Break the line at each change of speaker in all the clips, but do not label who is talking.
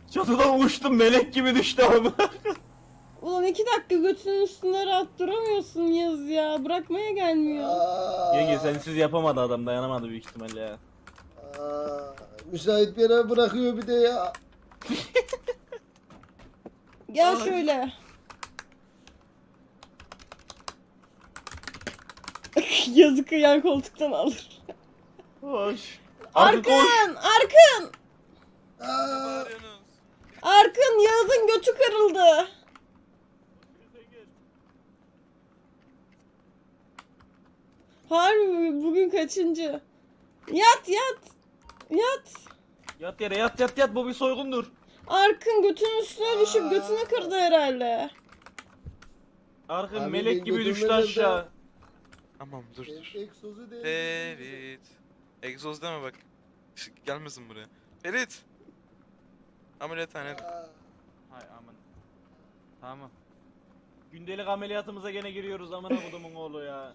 Çatıdan uçtum, melek gibi düştü ama.
Ulan 2 dakika götünün üstünde rahat duramıyorsun Yaz ya. Bırakmaya gelmiyor.
Yenge sensiz yapamadı adam, dayanamadı büyük ihtimalle ya.
Müsait bir yere bırakıyor bir de ya.
Gel şöyle. Yazık yan koltuktan alır.
Hoş. Artık koş.
Arkın!
Aa,
Arkın Yağız'ın götü kırıldı. Harbi bugün kaçıncı? Yat.
Yat yere, yat, bu bir soygundur.
Arkın götünün üstüne düşüp götünü kırdı herhalde.
Arkın
Abi
melek
ben
gibi düştü
götürmedim de.
aşağı.
Tamam dur.
egzozu değil.
Ferit. Egzoz deme bak. Işık gelmesin buraya. Ferit. Ameliyathanede.
Hay aman. Tamam. Gündelik ameliyatımıza gene giriyoruz, amına kodumun oğlu ya.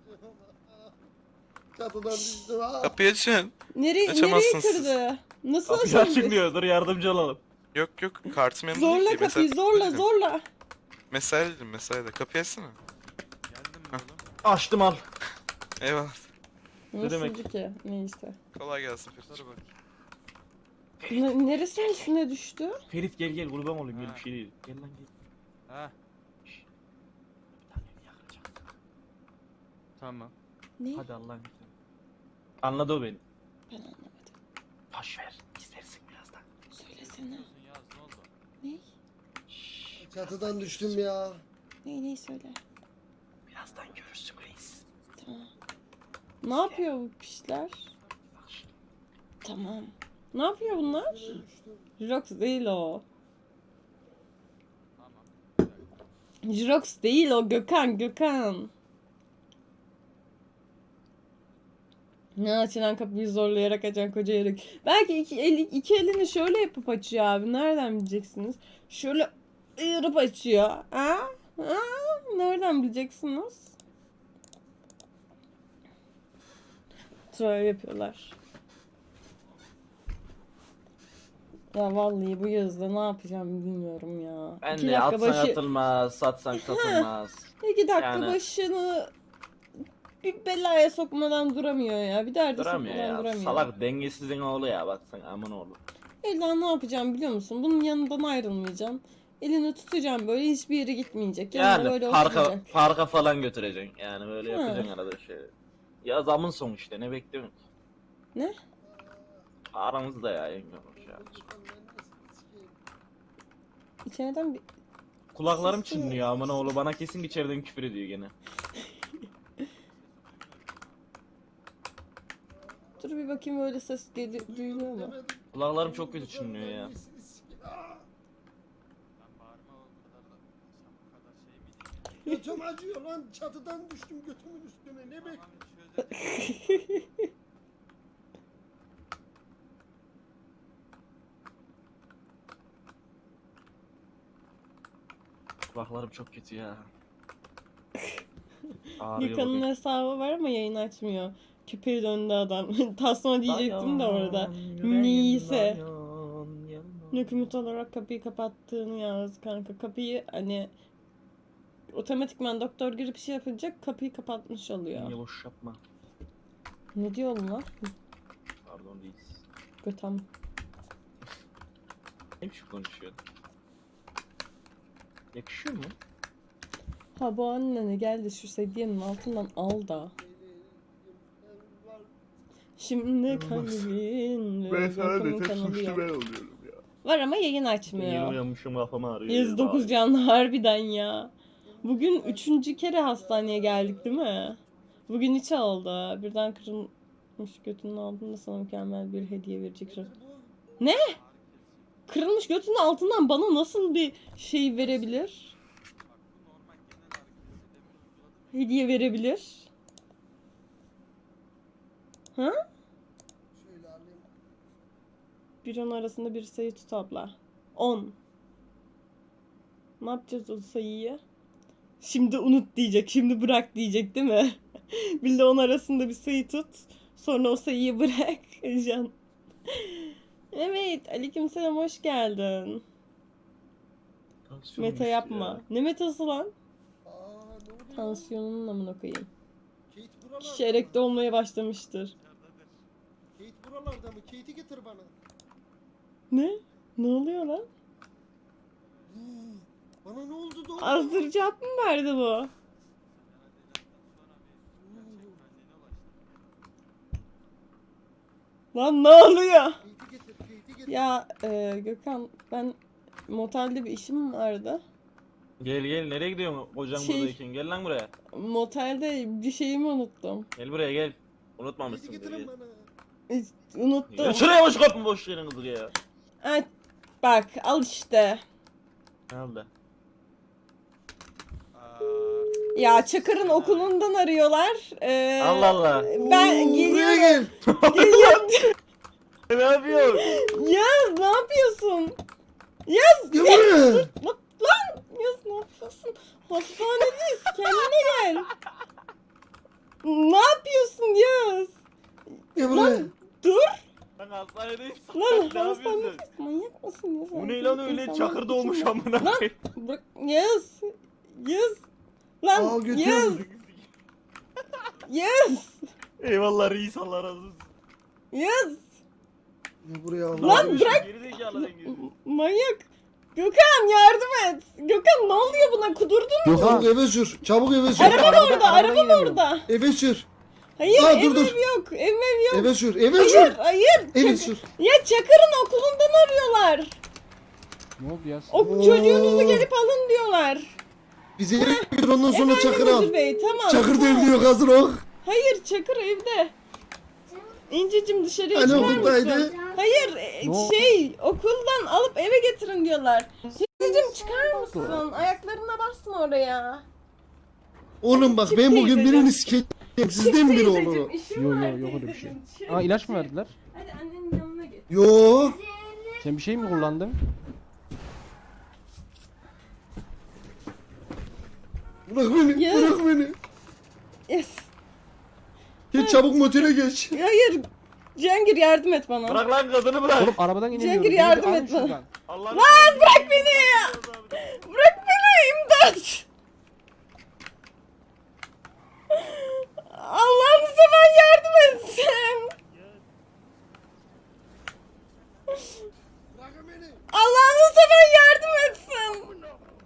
Çatıdan düştüm ha.
Kapıyı açın.
Nereye
Açamazsınız siz.
kırdı? Nasıl
Kapıyı açın
açıldı?
diyor, dur yardımcı olalım.
Yok kartım yanımda değil
Zorla
ki.
kapıyı zorla.
Mesai dedim mesaide. Kapıyı açsana.
Geldim
Hah.
oğlum. Açtım al.
Eyvallah.
Ne demek?
Nasıldı ki? Neyse.
Kolay gelsin Ferit.
Neresinin üstüne düştü?
Ferit gel kurban olayım, gel bir şey değil. Gel lan gel.
Ha,
Şşş. Bir tane yakacağız.
tamam.
Ne?
Hadi Allah'ın izniyle. Anladı o beni.
Ben anlamadım.
Boş ver, istersin birazdan.
Söylesene.
Yaz ne oldu?
Ne?
Şşş.
Çatıdan düştüm ya.
Neyi söyle.
Birazdan görürsün reis.
Tamam. Ne yapıyor bu pişler?
Bak şimdi.
Tamam. Ne yapıyor bunlar? Jirox değil o.
Tamam.
Jirox değil o, Gökhan. Ne açılan kapıyı zorlayarak açan koca yörük. Belki iki elini şöyle yapıp açıyor abi. Nereden bileceksiniz? Şöyle ayırıp açıyor. Ha? Nereden bileceksiniz? Troll yapıyorlar. Ya vallahi bu yazda ne yapacağım bilmiyorum ya.
Ben
2
de
dakika
atsan
başı,
atılmaz, satsan satılmaz.
2 dakika
Yani-
başını bir belaya sokmadan duramıyor ya. Bir derde
Duramıyor
sokmadan
ya.
duramıyor.
Salak dengesizin oğlu ya, baksana aman oğlu.
Ella ne yapacağım biliyor musun? Bunun yanından ayrılmayacağım. Elini tutacağım böyle, hiçbir yere gitmeyecek. Yanında
Yani
böyle
parka
oturacak.
parka falan götüreceksin. Yani böyle
Ha.
yapacaksın arada şey. Ya zamın son işte, ne bekliyorsun?
Ne?
Aramızda ya yenge hoş ya.
İçeriden bir...
Kulaklarım çınlıyor aman oğlu, bana kesin içeriden küfür ediyor gene.
Dur bir bakayım, öyle ses duyuluyor mu?
Kulaklarım çok kötü çınlıyor ya.
Ben bağırma o kadar da sen bu kadar şey mi
Götüm acıyor lan. Çatıdan düştüm götümün üstüne. Ne
Tamam,
bekliyorsun?
çözelim.
Kulaklarım çok kötü ya. Ağrıyor
Gökhan'ın
bugün.
hesabı var ama yayın açmıyor. Küpeyi döndü adam. Tasma diyecektim de orada.
Dayan, yüreğim
Neyse.
dayan, yanına.
Hükümet olarak kapıyı kapattığını yaz kanka. Kapıyı hani otomatikman doktor girip şey yapacak, kapıyı kapatmış oluyor.
Yenge boş yapma.
Ne diyor bunlar?
Pardon değil.
Götem.
Ne biçim konuşuyor? Yakışıyor mu?
Ha bu annene geldi şu sedyenin altından al da. Şimdi kalbin Gökhan'ın kanalı yok.
oluyorum ya.
Var ama yayın
Yeni
açmıyor.
uyanmışım, kafam ağrıyor.
109 canlı harbiden ya. Bugün 3. kere hastaneye geldik değil mi? Bugün 3 oldu. Birden kırılmış götünün altında sana mükemmel bir hediye verecek. Ne? Kırılmış götünün altından bana nasıl bir şey verebilir? Hediye verebilir? Ha?
Şöyle alayım.
1-10 arasında bir sayı tut abla. 10. Ne yapacağız o sayıyı? Şimdi unut diyecek, şimdi bırak diyecek değil mi? Bir de 10 arasında bir sayı tut. Sonra o sayıyı bırak. Can. Evet. Kate, aleykümselam, hoş geldin. Meta yapma. Ne metası lan?
Aa ne oluyor?
Tansiyonunun amına koyayım.
Kate buralarda.
Kişi erekte olmaya başlamıştır.
Kate buralarda mı? Kate'i getir bana.
Ne? Ne oluyor lan?
Bana ne oldu da?
Azdırıcı cevap mı verdi bu? Lan ne oluyor?
Kate'i getir, Kate'i getir.
Ya Gökhan, ben motelde bir işim vardı.
Gel gel, nereye gidiyorsun kocan
Şey-
buradayken? Gel lan buraya.
Motelde bir şeyimi unuttum.
Gel buraya gel.
Kate'i
Unutmamışsın.
getirin
Gel.
bana.
Unuttum.
Gel şuraya boş kapın boş yerin kızı ya.
Ay, bak al işte.
Ne oldu?
Ya Çakır'ın okulundan arıyorlar.
Allah Allah.
Ben
Oo, buraya
geliyorum.
gel.
Geliyorum.
Ne yapıyorsun?
Yaz ne yapıyorsun? Yaz.
Gel buraya.
Lan Yaz ne yapıyorsun? Hastanedeyiz. Kendine gel. Ne yapıyorsun Yaz?
Gel buraya.
Dur.
Lan hastanedeyiz.
Lan
Ne yapıyorsun?
hastanedeyiz. Manyak mısın Yaz?
Bu ne lan öyle
İnsanlar
çakır doğmuş
içinde-
amına
Lan
koyayım.
bırak Yaz. Yaz. Lan
Al götür.
Yaz. Yaz.
Eyvallah reis, Allah razı olsun.
Yaz.
Gel buraya al.
Lan bırak.
Geri zekalı dengesiz.
Manyak. Gökhan yardım et. Gökhan ne oluyor buna? Kudurdun mu?
Çabuk eve sür. Çabuk eve sür.
Arabam orada, arabam orada.
Eve sür.
Hayır,
Aa,
ev
dur, dur.
yok. Ev yok.
Eve sür. Eve
Hayır,
sür.
hayır.
Eve sür.
Ya Çakır'ın okulundan arıyorlar.
Ne oldu ya?
Oo.
Çocuğunuzu gelip alın diyorlar.
Bize eve götür ondan sonra
Efendim
Çakır al.
Müdür Bey, tamam.
Çakır
tamam.
devriyor hazır ol.
Hayır, Çakır evde. İncicim dışarıya
Hani
çıkar
okuldaydı?
mısın? Hayır,
Ne o-
okuldan alıp eve getirin diyorlar. İncicim çıkar mısın? Ayaklarına basma oraya.
Oğlum bak
Çık
ben bugün
teyzeciğim.
birini sikeyim. Sizden biri olur o.
işim
Yo,
var
yo, yok öyle bir şey.
teyzeciğim. Çık.
Aa ilaç mı verdiler?
Hadi annenin yanına git.
Yo.
Sen bir şey mi kullandın?
Bırak beni.
Ya.
Bırak beni.
Yes.
Geç çabuk motele geç.
Hayır. Cengir yardım et bana.
Bırak lan kadını bırak.
Oğlum arabadan inemiyorum.
Cengiz, yardım et bana.
şuradan.
Allah
Bırak beni ya. Bırak beni imdat. Allah'ını seven yardım etsin.
Bırakın beni.
Allah'ını seven yardım etsin.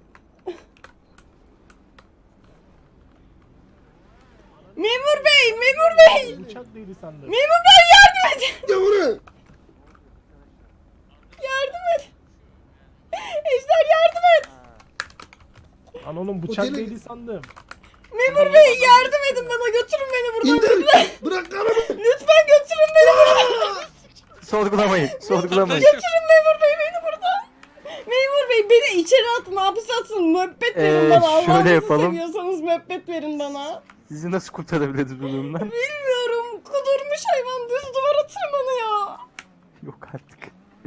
Memur bey, memur bey.
Uçak değili sandım.
Memur bey yardım et.
Gel buraya.
Yardım et. Ejder yardım et.
Lan oğlum bıçak
Otele-
değili sandım.
Memur bey yardım edin bana, götürün beni buradan.
İndir. Bırak karımı.
Lütfen götürün beni buradan.
Sorgulamayın, sorgulamayın.
Götürün memur bey beni buradan. Memur bey beni içeri atın, hapise atın. Müebbet verin bana.
şöyle
Allah'ınızı
yapalım.
seviyorsanız müebbet verin bana.
Sizi nasıl kurtarabiliriz bu durumdan?
Bilmiyorum. Kudurmuş hayvan düz duvara tırmanıyor.
Yok artık.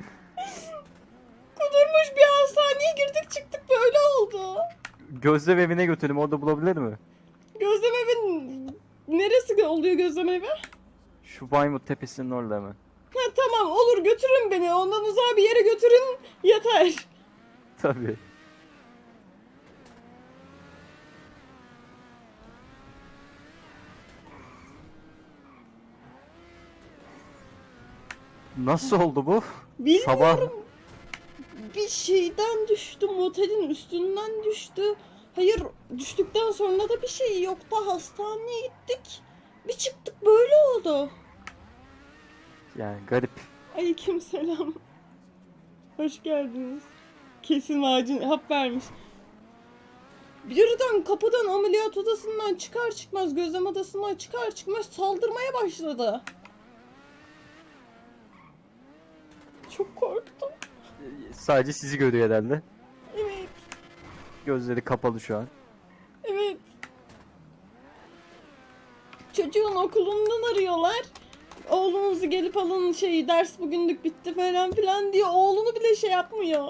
Kudurmuş, bir hastaneye girdik çıktık böyle oldu.
Gözlem evine götürelim, orada bulabilir mi?
Gözlem evin neresi oluyor gözlem evi?
Şu Baymut Tepesi'nin orada mı?
Ha tamam olur, götürün beni. Ondan uzağa bir yere götürün yeter.
Tabii. Nasıl oldu bu?
Bilmiyorum.
Sabah
Bir şeyden düştü, motelin üstünden düştü. Hayır, düştükten sonra da bir şey yoktu. Hastaneye gittik. Bir çıktık böyle oldu.
yani garip.
Aleykümselam. Hoş geldiniz. Kesin acil hap vermiş. Birden kapıdan, ameliyat odasından çıkar çıkmaz, gözlem odasından çıkar çıkmaz saldırmaya başladı. Çok korktum.
Sadece sizi görüyor herhalde.
Evet,
Gözleri kapalı şu an.
evet. Çocuğun okulundan arıyorlar. Oğlunuzu gelip alın, ders bugünlük bitti falan filan diye oğlunu bile şey yapmıyor.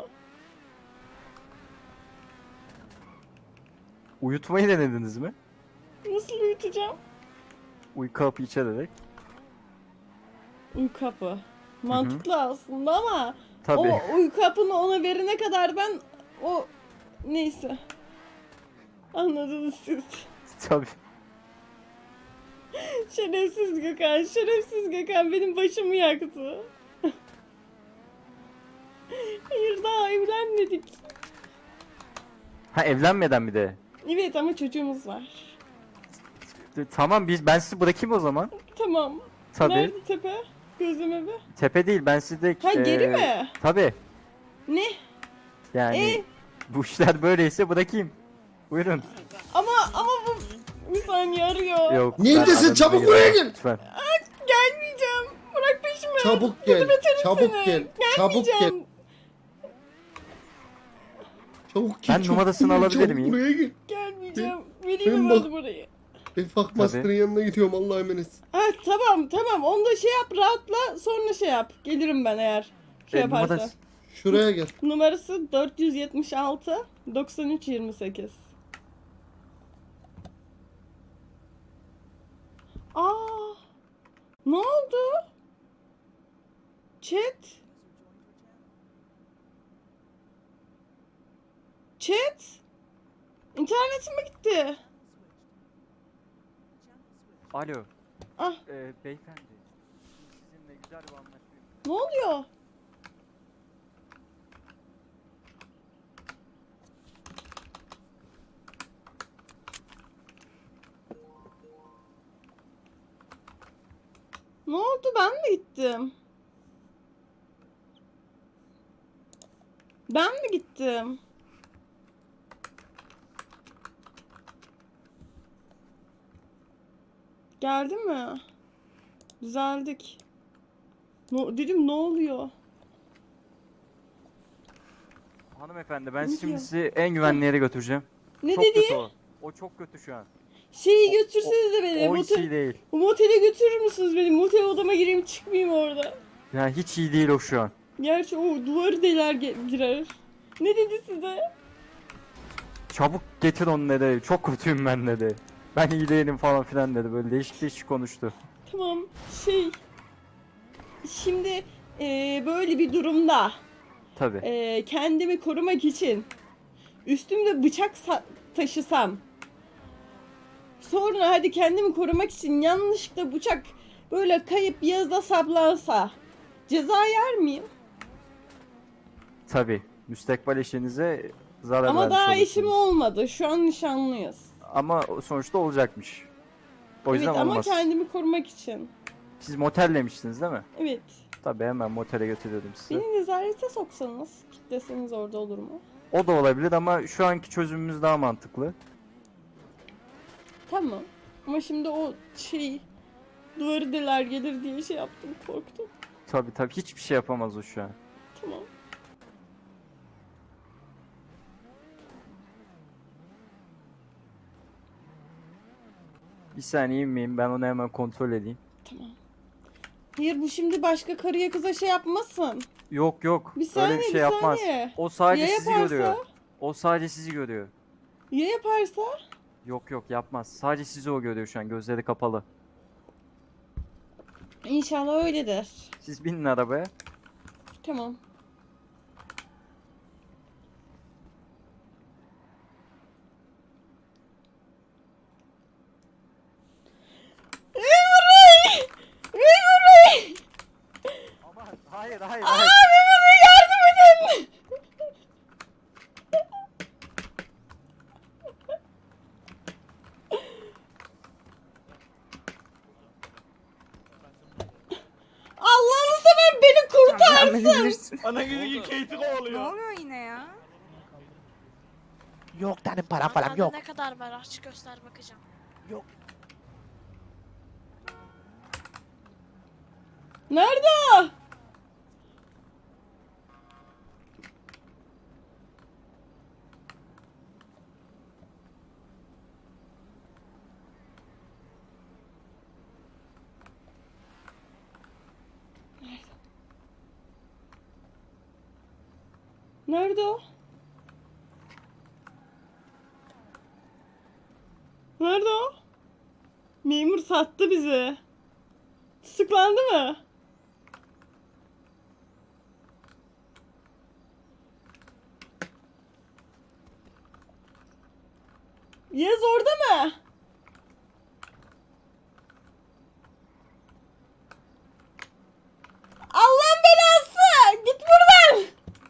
Uyutmayı denediniz mi?
Nasıl uyutacağım?
Uyku hapı içererek.
Uyku hapı. Mantıklı aslında ama
Tabii.
o uyku hapını ona verene kadar ben o neyse. Anladınız siz.
Tabii.
Şerefsiz Gökhan, şerefsiz Gökhan benim başımı yaktı. Hayır daha evlenmedik.
Ha, evlenmeden bir de.
Evet ama çocuğumuz var.
Tamam, ben sizi bırakayım o zaman.
Tamam.
Tabii.
Nerede tepe? Gözleme be.
Tepe değil, ben sizi de...
Ha geri mi?
Tabii.
Ne?
Yani bu işler böyleyse bırakayım. Buyurun.
Ama bu bir saniye arıyor.
Yok.
Neredesin?
ben aranıza
Çabuk
giremem,
buraya gel.
Lütfen.
Gelmeyeceğim. Bırak peşimi.
Çabuk gel. Çabuk
seni.
gel. Çabuk gel.
Gelmeyeceğim.
Çabuk gel.
Ben
çabuk
numarasını
gel,
alabilir
çabuk
miyim?
Buraya gel.
Gelmeyeceğim.
Ben
Vereyim mi
bak-
bana burayı?
Ben Fuckmaster'ın yanına gidiyorum, Allah'a emanet.
Ha tamam. Onu da şey yap, rahatla, sonra şey yap. Gelirim ben eğer şey yaparsa.
Numarası-
Şuraya gel.
Numarası 476 93 28. Aa! Ne oldu? Chat? İnternetim mi gitti?
Alo.
Ah,
Beyefendi. Sizinle güzel bir anlaşma.
ne oluyor? Ne oldu? Ben mi gittim? Ben mi gittim? Geldi mi? Düzeldik. Dedim ne oluyor?
Hanımefendi, ben
Ne
şimdi
diyor?
sizi en güvenli yere götüreceğim.
Ne
Çok
dedi?
kötü o. O çok kötü şu an.
Şeyi götürseniz de beni.
O hiç iyi değil.
Motele götürür müsünüz beni? Motel odama gireyim çıkmayayım orada.
Yani hiç iyi değil o şu an.
Gerçi o duvarı deler girer. Ne dedi size?
Çabuk getir onu dedi. Çok kötüyüm ben dedi. Ben iyi değilim falan filan dedi. Böyle değişik değişik konuştu.
Tamam şimdi böyle bir durumda
Tabii.
kendimi korumak için üstümde bıçak taşısam, sonra hadi kendimi korumak için yanlışlıkla bıçak böyle kayıp yazda saplansa ceza yer miyim?
Tabii. Müstakbel eşinize zarar
Ama
vermiş
daha
olursunuz.
eşim olmadı. Şu an nişanlıyız.
Ama sonuçta olacakmış. O yüzden
Evet ama
olmaz.
kendimi korumak için.
Siz motellemiştiniz değil mi?
Evet.
Tabii, hemen motele götürüyordum sizi.
Beni nezarete soksanız, kilitleseniz orada olur mu?
O da olabilir ama şu anki çözümümüz daha mantıklı.
Tamam. Ama şimdi o duvarı deler gelir diye şey yaptım, korktum.
Tabii hiçbir şey yapamaz o şu an.
Tamam.
Bir saniye inmeyin, ben onu hemen kontrol edeyim.
Tamam. Hayır bu şimdi başka karıya kıza şey yapmasın.
Yok
Bir saniye,
öyle bir şey
bir
yapmaz.
saniye.
O sadece
Ya
sizi
yaparsa?
görüyor. O sadece sizi görüyor.
Ya yaparsa?
Yok yapmaz. Sadece sizi o görüyor şu an, gözleri kapalı.
İnşallah öyledir.
Siz binin arabaya.
Tamam. Memur Bey! Memur Bey!
Aman hayır.
Memur Bey yardım edin! Allah'ını seven beni kurtarsın!
Ana gibi Kate'i kovalıyor.
oluyor yine ya?
Yok tane para falan yok.
Ne kadar var? Aç göster bakacağım.
Nerede o? Nerede o? Nerede o? Memur sattı bizi. Tutuklandı mı? Yaz orada mı? Allah'ın belası! Git buradan!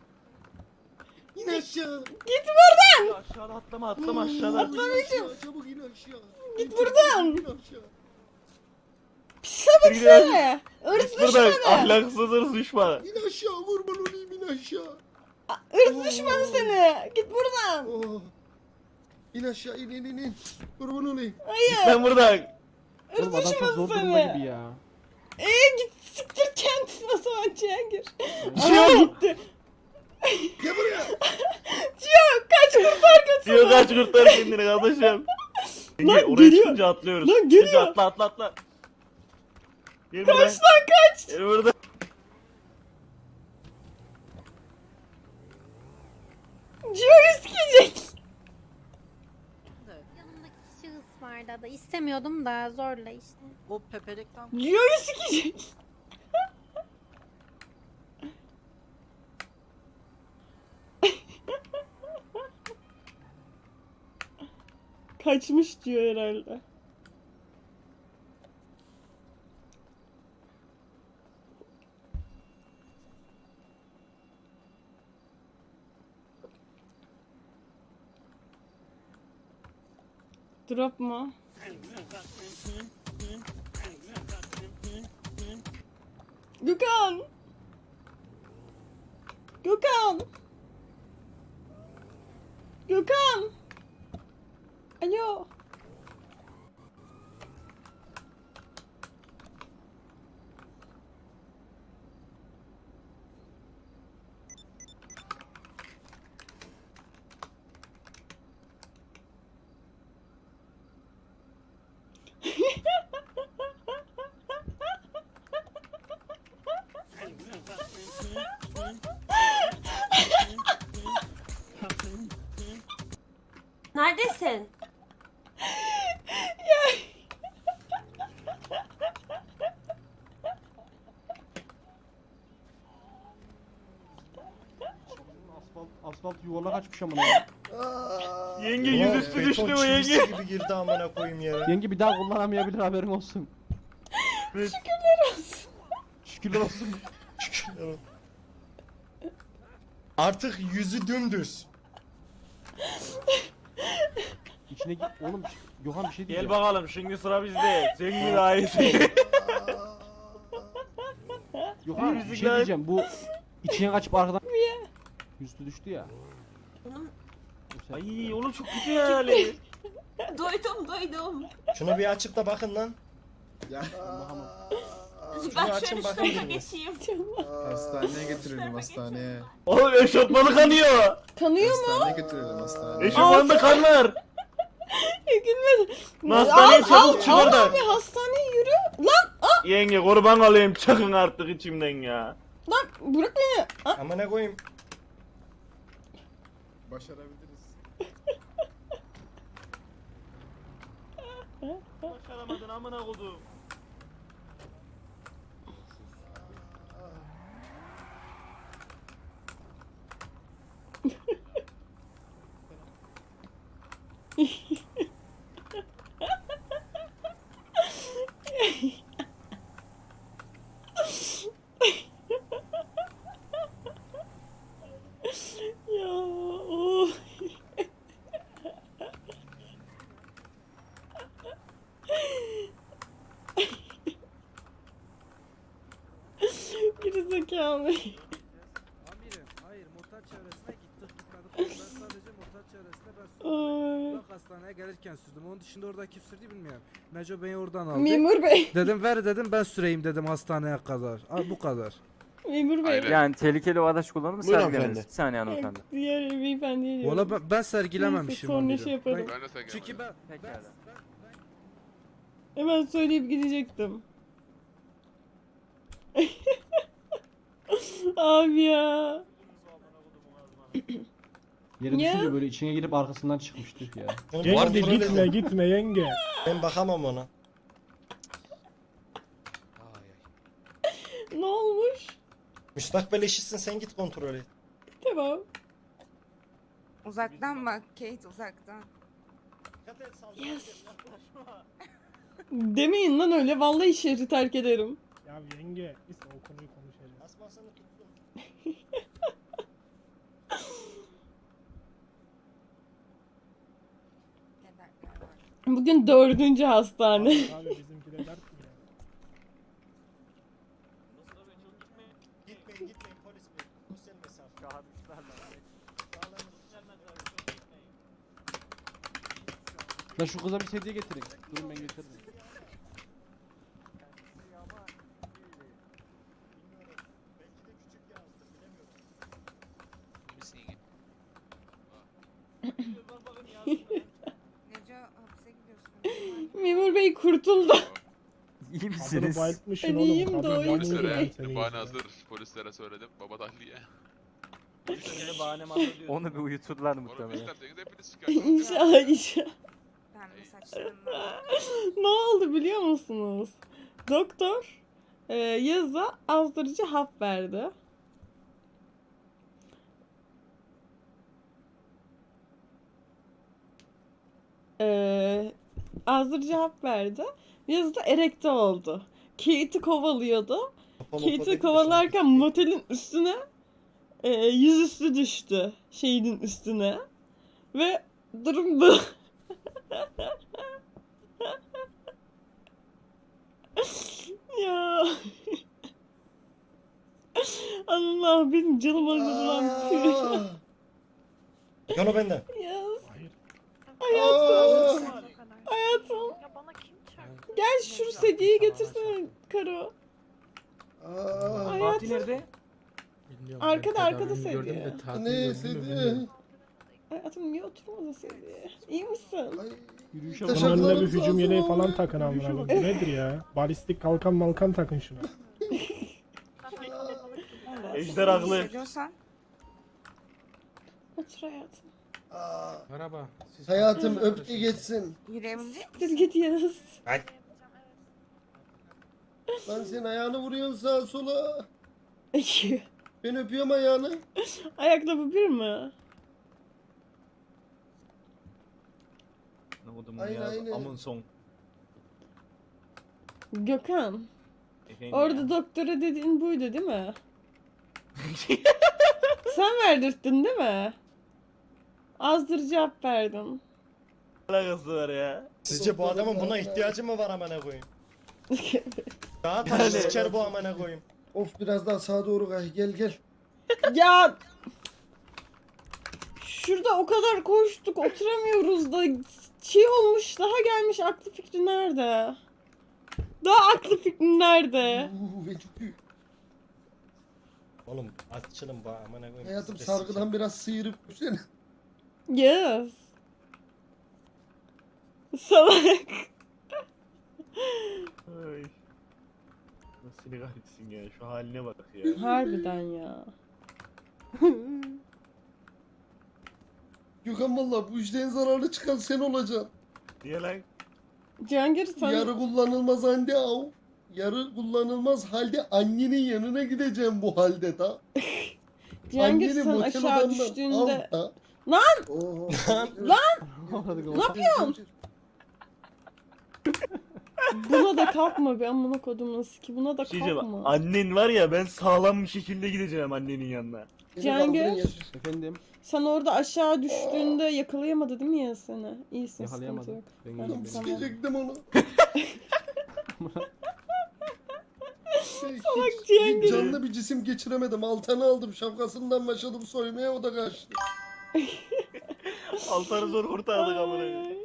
İn aşağı.
Git buradan!
Aşağıda atlama aşağıda.
Atlamayacağım. Çabuk in aşağı.
Git buradan!
İn aşağı.
Pis sapık
Git
seni! Irz
Git buradan.
düşmanı!
Ahlaksız hırs düşmanı.
İn aşağı. Vurman olayım in aşağı.
Irz düşmanı seni! Git buradan!
Oh. İn aşağı in. Vurman olayım.
Hayır!
Ben buradan.
Irz
Oğlum adam çok
düşmanı
zor durumda gibi
seni!
ya.
Git siktir kendini o zaman Cihangir.
Ciyo.
Aa, gitti.
Gel buraya.
Ciyo kaç kurtar kaç.
Ciyo kaç kurtar kendini kardeşim.
Lan
Oraya
geliyor.
çıkınca atlıyoruz.
Lan geliyor.
Çıkınca atla. Gel
Kaç
buradan.
lan kaç.
Gel buradan.
Ciyo yüzgecek.
Yanımdaki şahıs vardı da istemiyordum da zorla işte.
O pepelekten
Ciyo yüzgecek. Kaçmış diyor herhalde. Drop mu? Gökhan! Gökhan! Gökhan! Alo!
Neredesin?
Asfalt yuvarlak açmış amına. Ya.
Yenge yüzüstü düştü bu yenge.
gibi girdi amına koyayım yere.
Yenge bir daha kullanamayabilir haberin olsun.
Şükürler olsun.
Şükürler olsun.
Artık yüzü dümdüz.
İçine git oğlum. Gökhan bir şey
Gel
diyeceğim.
bakalım şimdi sıra bizde. Sen mi daha iyisin?
Gökhan bir
Müzik
şey
lan.
diyeceğim. Bu içine kaçıp arkadan yüzü düştü ya. Bu sen-
Ay oğlum çok kötü yani.
Duydum.
Şunu bir açıp da bakın lan.
Ya.
Şunu açın bakın biriniz.
Hastaneye götürelim hastaneye.
Oğlum eşofmanı kanıyor.
Kanıyor mu?
Hastaneye götürelim hastaneye.
Eşofmanında kan var.
Gülmedim.
Hastaneye çabuk çık oradan.
Abi hastaneye yürü. Lan
Yenge kurban olayım çıkın artık içimden ya.
lan bırak beni.
Amına koyayım.
Başarabiliriz.
Başaramadın amına kodum.
Ya oh. Gerizekalı.
Amirim, hayır motor çevresine gittik gitmedik. Ben sadece motor çevresine ben sürdüm.
Ay.
Bak hastaneye gelirken sürdüm. Onun dışında orada kim sürdü bilmiyorum. Neco beni oradan aldı.
Memur bey.
Dedim ver dedim ben süreyim dedim hastaneye kadar. Al bu kadar.
Memur bey.
Yani tehlikeli o araç kullanır mı
Buyurun
sergilemez?
hanımefendi.
Bir saniye hanımefendi.
Diğer beyefendiye diyorum.
Valla ben sergilememişim
Neyse, sonra
amirim.
şey yaparım.
Çünkü ben
Pekala.
Hemen söyleyip gidecektim. Abi ya.
Yere
Ya.
düşünce böyle içine girip arkasından çıkmıştı ya.
Bunu bir
Yenge
kontrol
gitme
edin.
gitme yenge.
Ben bakamam ona.
Ne olmuş?
Müstakbel eşitsin sen git kontrol et.
Tamam.
Uzaktan bak Kate uzaktan.
Yes. Demeyin lan öyle. Vallahi şehri terk ederim.
Ya yenge biz o konuyu konuşacağız.
Bugün 4. hastane.
Abi bizimki de dert mi ya?
Gitmeyin polis bey. Sosyal mesafe.
Lan şu kıza bir sedye getirin. Durun ben getiririm.
Memur bey kurtuldu.
İyi
Kadını
misiniz?
bayıltmışsın
Ben
oğlum.
iyiyim de
Kadın
o
yanıyor
yüzden.
yani senin
Bahane
yüzünden.
hazır. Polislere söyledim. Babadan diye.
Şimdi bahane mahsul diyorsun.
Onu bir uyuturlar
Onu
muhtemelen.
isterseniz hepiniz çıkarsınız.
İnşallah inşallah. Ne oldu biliyor musunuz? Doktor Yaz'a azdırıcı hap verdi. Azdırıcı hap verdi. Yaz da erekte oldu. Kate'i kovalıyordu. Kate'i kovalarken motelin üstüne yüzüstü düştü. Şeyinin üstüne. Ve durum bu. Ya. Allah benim canım acıdı lan.
Yana benden.
Yaz.
Hayır.
Hayatım. Hayatım. Gel şu sedyeyi getirsene Karo.
Fatih
Hayatım.
nerede?
Bilmiyorum,
Arkada,
ben
arkada
tedavimi
sedye.
gördüm de tatil
Ne
gördüm mü
istedi?
bilmiyorum.
Hayatım niye oturmadın sedyeye? İyi misin?
Yürüyüşe
Bunun
Teşekkür
bak.
önüne bir
ederim,
hücum
sağ
yeleği
olun.
falan takın amına koyayım. Bu nedir ya? Balistik kalkan malkan takın şuna.
Ejder haklı.
Otur hayatım.
Merhaba.
Hayatım öptü geçsin.
Dur git Yaz.
Lan sen ayağını vuruyorsun sağa sola. Ben öpüyorum ayağını.
Ayakkabı bir mi?
Ne oldu mu
Aynen,
ya?
aynen.
Amın son.
Gökhan.
Efendim
Orada
ya.
doktora dediğin buydu değil mi? Sen verdirttin değil mi? Azdırıcı hap verdin.
Alakası var ya.
Sizce bu adamın buna ihtiyacı
mı var amına koyayım?
Daha
taş
siker bu amına koyayım. Of biraz daha sağa doğru kay gel gel.
Ya şurada o kadar koştuk oturamıyoruz da şey olmuş daha gelmiş aklı fikri nerede? Daha aklı fikri nerede?
Ben çok büyük.
Oğlum açılın bu amına koyayım.
Hayatım sargıdan biraz sıyırıp seni.
Yes. Salak.
Ay. Nasıl ne kahretsin ya. Şu haline bak ya.
Harbiden ya.
Gökhan valla bu işten zararlı çıkan sen olacaksın.
Niye lan?
Cihangir sen
Yarı kullanılmaz halde av. Yarı kullanılmaz halde annenin yanına gideceğim bu halde da.
Cihangir
Anneni
sen
motel
aşağı
odandan
düştüğünde
al da.
Lan!
Oo.
Ne yapıyorsun? Buna da kalkma be amına kodumun siki buna da
Bir şey diyeceğim.
kalkma.
Annen var ya ben sağlam bir şekilde gideceğim annenin yanına.
Beni
Cihangir.
kaldırın yeter.
Efendim
Sen orada aşağı düştüğünde yakalayamadı değil mi ya seni? İyisin sıkıntı
yakalayamadım.
yok.
Ben
Tamam,
iyiyim
tamam.
Sikecektim onu. hiç
Cihangir.
canlı bir cisim geçiremedim. Altanı aldım. Şapkasından başladım soymaya o da kaçtı.
Altarı zor kurtardık amına.
Ay.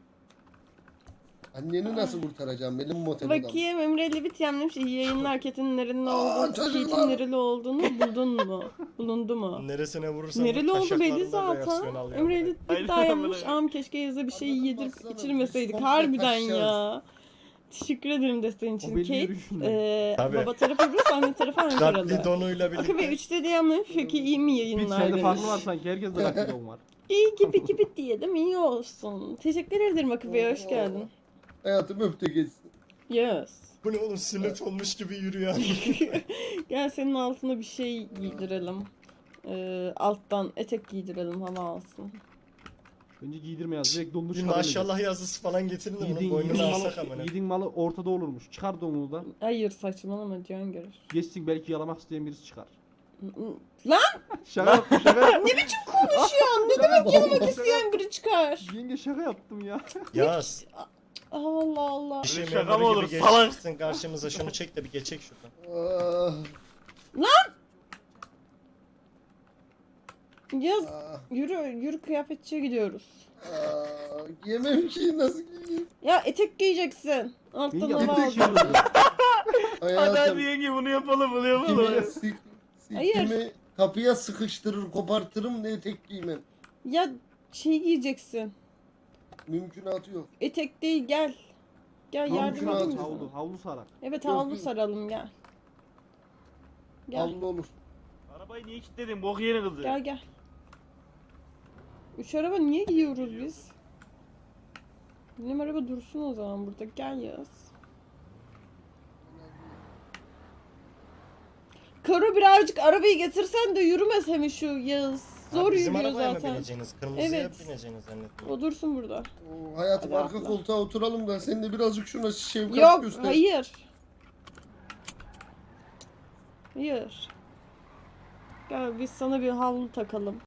Anneni nasıl kurtaracağım benim motel odam?
Bakayım Emre Levit yemlemiş iyi yayınlar Kate'in nereli olduğunu,
çocuklar.
Kate'in nereli olduğunu buldun mu? Bulundu mu?
Neresine vurursan
Nereli oldu belli zaten. Emre Levit
Aynen,
daha yapmış.
amına.
Am keşke Yaz'a bir şey
Adamı
yedirip
baksana,
içirmeseydik.
biz komple
Harbiden
taşacağız.
ya. Teşekkür ederim desteğin için.
O belli
Kate,
yürüyüşünden.
Tabii.
baba tarafı Rus, anne tarafı Ankaralı.
donuyla
Akı Bey 3'te diyemlemiş. Peki iyi mi
Bir
yayınlar
sende farklı
demiş.
var sanki herkes de rakibim var.
İyi gibi diyelim iyi olsun. Teşekkür ederim Akı Bey hoş geldin.
Hayatım öptü geçsin.
Yes.
Bu ne oğlum sünnet olmuş gibi yürüyor.
Gel senin altına bir şey giydirelim. Alttan etek giydirelim hava alsın.
Önce giydirme yaz. Direkt donunu
Bir
çıkar.
maşallah yazısı falan getirin de bunun boynunu alsak amına.
Yediğin malı ortada olurmuş. Çıkar donunu da.
Hayır saçmalama Cihan görür.
Geçsin belki yalamak isteyen birisi çıkar.
Lan
Şaka yaptım şaka.
ne biçim konuşuyorsun? Ne demek yalamak isteyen biri çıkar?
Yenge şaka yaptım ya.
Yaz.
Allah Allah.
Bir şey
Şaka
memuru
mı olur,
gibi
salak?
geçmişsin karşımıza, şunu çek de bir geçek şuradan.
Ah,
Yaz
ah,
yürü kıyafetçiye gidiyoruz.
Yemem ki nasıl giyeyim?
Ya etek giyeceksin.
Yenge
Alttan hava
yapacak şey
alacaksın.
yok.
Hadi
Hayatım.
yenge bunu yapalım bunu
Sikimi,
yapalım.
Hayır.
sikimi kapıya sıkıştırır kopartırım ne etek giymem.
Ya şey giyeceksin.
Mümkünatı yok.
Etek değil gel. Gel
Tamam,
yardım
şunu
edeyim
at.
mi
Havlu,
sana?
havlu sarar.
Evet
Yok,
havlu
yok.
saralım gel. Gel
Havlu olur.
Arabayı niye kilitledin? Bok yeni kızı.
gel. Üç araba niye giyiyoruz biz? Benim araba dursun o zaman burada. Gel Yağız. Karo birazcık arabayı getirsen de yürümesem şu Yağız. Zor
Bizim
yürüyor
arabaya mı
zaten.
bineceğiniz? Kırmızıya
Evet.
bineceğiniz zannettim.
O dursun burada.
Hayatım
Hadi
arka
atla.
koltuğa oturalım da sen de birazcık şuna şefkat
Yok
göster.
hayır. Hayır. Gel biz sana bir havlu takalım.